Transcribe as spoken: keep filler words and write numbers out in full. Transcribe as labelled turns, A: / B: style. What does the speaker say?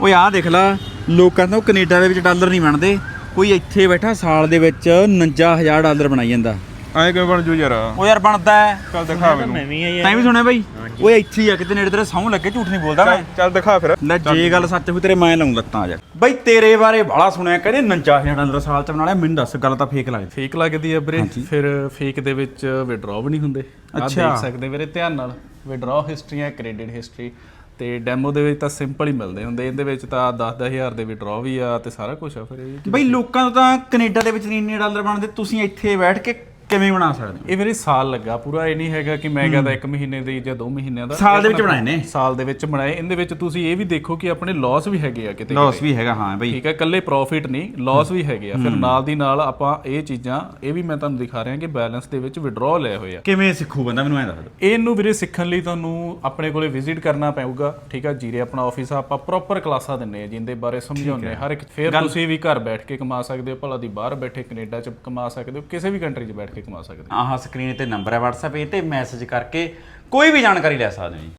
A: ਓਏ ਆਹ ਦੇਖ ਲਾ, ਲੋਕਾਂ ਤੋਂ ਕੈਨੇਡਾ ਦੇ ਵਿੱਚ ਡਾਲਰ ਨਹੀਂ ਬਣਦੇ, ਕੋਈ ਇੱਥੇ ਬੈਠਾ ਸਾਲ ਦੇ ਵਿੱਚ ਉਨੰਜਾ ਹਜ਼ਾਰ ਡਾਲਰ ਬਣਾਈ ਜਾਂਦਾ।
B: ਐਂ ਕਿਵੇਂ ਬਣ ਜੂ ਯਾਰ?
A: ਉਹ ਯਾਰ ਬਣਦਾ ਹੈ।
B: ਚੱਲ ਦਿਖਾ ਮੈਨੂੰ।
C: ਮੈਂ ਵੀ ਆ
A: ਤੈਂ ਵੀ ਸੁਣਿਆ ਬਾਈ? ਓਏ ਇੱਥੇ ਹੀ ਆ ਕਿਤੇ ਨੇੜੇ, ਤੇਰੇ ਸਹੁੰ ਲੱਗੇ, ਝੂਠ ਨਹੀਂ ਬੋਲਦਾ ਮੈਂ।
B: ਚੱਲ ਦਿਖਾ ਫਿਰ।
A: ਲੈ ਜੇ ਗੱਲ ਸੱਚ ਹੋਈ ਤੇਰੇ ਮੈਂ ਲਾਉਂ ਲੱਤਾਂ ਯਾਰ। ਬਾਈ ਤੇਰੇ ਬਾਰੇ ਬਾਹਲਾ ਸੁਣਿਆ, ਕਹਿੰਦੇ ਉਨੰਜਾ ਹਜ਼ਾਰ ਡਾਲਰ ਸਾਲ ਚ ਬਣਾ ਲਿਆ। ਮੈਨੂੰ ਦੱਸ, ਗੱਲ ਤਾਂ ਫੇਕ ਲੱਗਦੀ।
C: ਫੇਕ ਲੱਗਦੀ ਆ ਵੀਰੇ। ਫਿਰ ਫੇਕ ਦੇ ਵਿੱਚ ਵਿਡਰਾਅ ਵੀ ਨਹੀਂ ਹੁੰਦੇ। ਆਹ ਦੇਖ ਸਕਦੇ ਵੀਰੇ ਧਿਆਨ ਨਾਲ, ਵਿਡਰਾਅ ਹਿਸਟਰੀ ਹੈ, ਕ੍ਰੈਡਿਟ ਹਿਸਟਰੀ ਤੇ ਡੈਮੋ ਦੇ ਵਿੱਚ ਤਾਂ ਸਿੰਪਲ ਹੀ ਮਿਲਦੇ ਹੁੰਦੇ। ਇਹਦੇ ਵਿੱਚ ਤਾਂ ਦਸ ਦਸ ਹਜ਼ਾਰ ਦੇ ਵਿਡਰਾਅ ਵੀ ਆ ਤੇ ਸਾਰਾ ਕੁਝ ਆ। ਫਿਰ ਇਹ
A: ਬਈ ਲੋਕਾਂ ਨੂੰ ਤਾਂ ਕੈਨੇਡਾ ਦੇ ਵਿੱਚ ਇੰਨੇ ਡਾਲਰ ਬਣਦੇ, ਤੁਸੀਂ ਇੱਥੇ ਬੈਠ ਕੇ ਕਿਵੇਂ ਬਣਾ ਸਕਦੇ ਹੋ?
C: ਇਹ ਵੀਰੇ ਸਾਲ ਲੱਗਾ ਪੂਰਾ। ਇਹ ਨਹੀਂ ਹੈਗਾ ਕਿ ਮੈਂ ਕਹਿੰਦਾ ਇੱਕ ਮਹੀਨੇ ਦੀ ਜਾਂ ਦੋ ਮਹੀਨਿਆਂ ਦਾ।
A: ਸਾਲ ਦੇ ਵਿੱਚ ਬਣਾਏ ਨੇ।
C: ਸਾਲ ਦੇ ਵਿੱਚ ਬਣਾਏ। ਇਹਦੇ ਵਿੱਚ ਤੁਸੀਂ ਇਹ ਵੀ ਦੇਖੋ ਕਿ ਆਪਣੇ ਲਾਸ ਵੀ ਹੈਗੇ ਆ ਕਿਤੇ।
A: ਲਾਸ ਵੀ ਹੈਗਾ, ਹਾਂ ਬਈ।
C: ਠੀਕ ਹੈ, ਇਕੱਲੇ ਪ੍ਰੋਫਿਟ ਨਹੀਂ, ਲਾਸ ਵੀ ਹੈਗੇ ਆ। ਫਿਰ ਨਾਲ ਦੀ ਨਾਲ ਆਪਾਂ ਇਹ ਚੀਜ਼ਾਂ, ਇਹ ਵੀ ਮੈਂ ਤੁਹਾਨੂੰ ਦਿਖਾ ਰਿਹਾ ਕਿ ਬੈਲੈਂਸ ਦੇ ਵਿੱਚ ਵਿਡਰਾਅ ਲਏ ਹੋਏ ਆ।
A: ਕਿਵੇਂ ਸਿੱਖੂ ਬੰਦਾ, ਮੈਨੂੰ ਐਂ ਦੱਸ ਦਿਓ।
C: ਇਹਨੂੰ ਵੀਰੇ ਸਿੱਖਣ ਲਈ ਤੁਹਾਨੂੰ ਆਪਣੇ ਕੋਲੇ ਵਿਜ਼ਿਟ ਕਰਨਾ ਪਊਗਾ। ਠੀਕ ਆ, ਜੀਰੇ ਆਪਣਾ ਆਫਿਸ ਆ, ਆਪਾਂ ਪ੍ਰੋਪਰ ਕਲਾਸਾਂ ਦਿੰਨੇ ਆ ਜਿੰਦੇ ਬਾਰੇ ਸਮਝਾਉਂਦੇ ਹਰ ਇੱਕ। ਫਿਰ ਤੁਸੀਂ ਵੀ ਘਰ ਬੈਠ ਕੇ ਕਮਾ ਸਕਦੇ ਹੋ, ਭਲਾ ਦੀ ਬਾਹਰ ਬੈਠੇ ਕੈਨੇਡਾ 'ਚ ਕਮਾ ਸਕਦੇ ਹੋ, ਕਿਸੇ ਵੀ ਕੰਟਰੀ 'ਚ ਬੈਠ ਕੇ ਕਮਾ ਸਕਦੇ ਹੋ।
A: ਆਹ ਸਕਰੀਨ ਤੇ ਨੰਬਰ ਹੈ WhatsApp, ਇਹ ਤੇ ਮੈਸੇਜ ਕਰਕੇ ਕੋਈ ਵੀ ਜਾਣਕਾਰੀ ਲੈ ਸਕਦੇ ਹੋ ਜੀ।